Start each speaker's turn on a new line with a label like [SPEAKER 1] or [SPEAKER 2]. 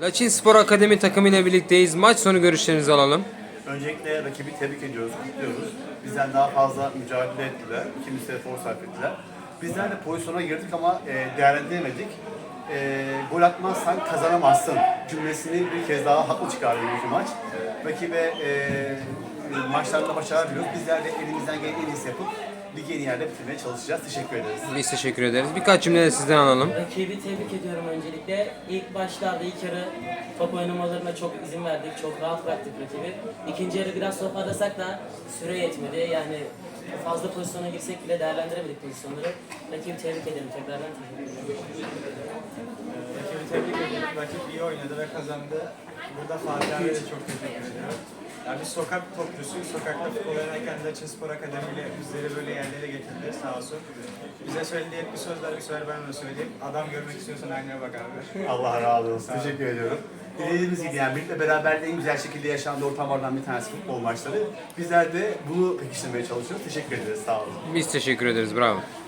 [SPEAKER 1] Laçin Spor Akademi takımı ile birlikteyiz. Maç sonu görüşlerinizi alalım.
[SPEAKER 2] Öncelikle rakibi tebrik ediyoruz, kutluyoruz. Bizden daha fazla mücadele ettiler, ikimiz de efor sarf ettiler. Bizler de pozisyona girdik ama değerlendiremedik. Gol atmazsan kazanamazsın cümlesini bir kez daha haklı çıkardı bu maç. Rakibe maçlarında başarılar diliyoruz. Bizler de elimizden gelen en iyisi yapıp ligi en iyi yerde bitirmeye çalışacağız. Teşekkür ederiz.
[SPEAKER 1] Biz teşekkür ederiz. Birkaç cümle de sizden alalım.
[SPEAKER 3] Rakibi tebrik ediyorum öncelikle. İlk başlarda ilk yarı top oynamalarına çok izin verdik. Çok rahat bıraktık rakibi. İkinci yarı biraz top arasak da süre yetmedi. Yani fazla pozisyona girsek bile değerlendiremedik pozisyonları. Rakibi tebrik ederim. Tekrardan teşekkür ederim.
[SPEAKER 4] Rakibi tebrik ediyorum. Rakip iyi oynadı ve kazandı. Burada Fatih abiye de çok teşekkür ediyorum. Yani biz sokak topçusuyuz. Sokakta futbol oynarken de Laçin Spor Akademi ile bizleri böyle yerlere getirdi sağ olsun. Bize söylediği hep bir söz var, bir sefer ben de söyleyeyim. Adam görmek istiyorsan aynaya bak abi.
[SPEAKER 2] Allah razı olsun. Teşekkür ediyorum. Dilediğimiz gibi yani birlikte beraberliğin en güzel şekilde yaşandığı ortamlardan bir tanesi futbol maçları. Bizler de bunu pekiştirmeye çalışıyoruz. Teşekkür ederiz. Sağ olun.
[SPEAKER 1] Biz teşekkür ederiz. Bravo.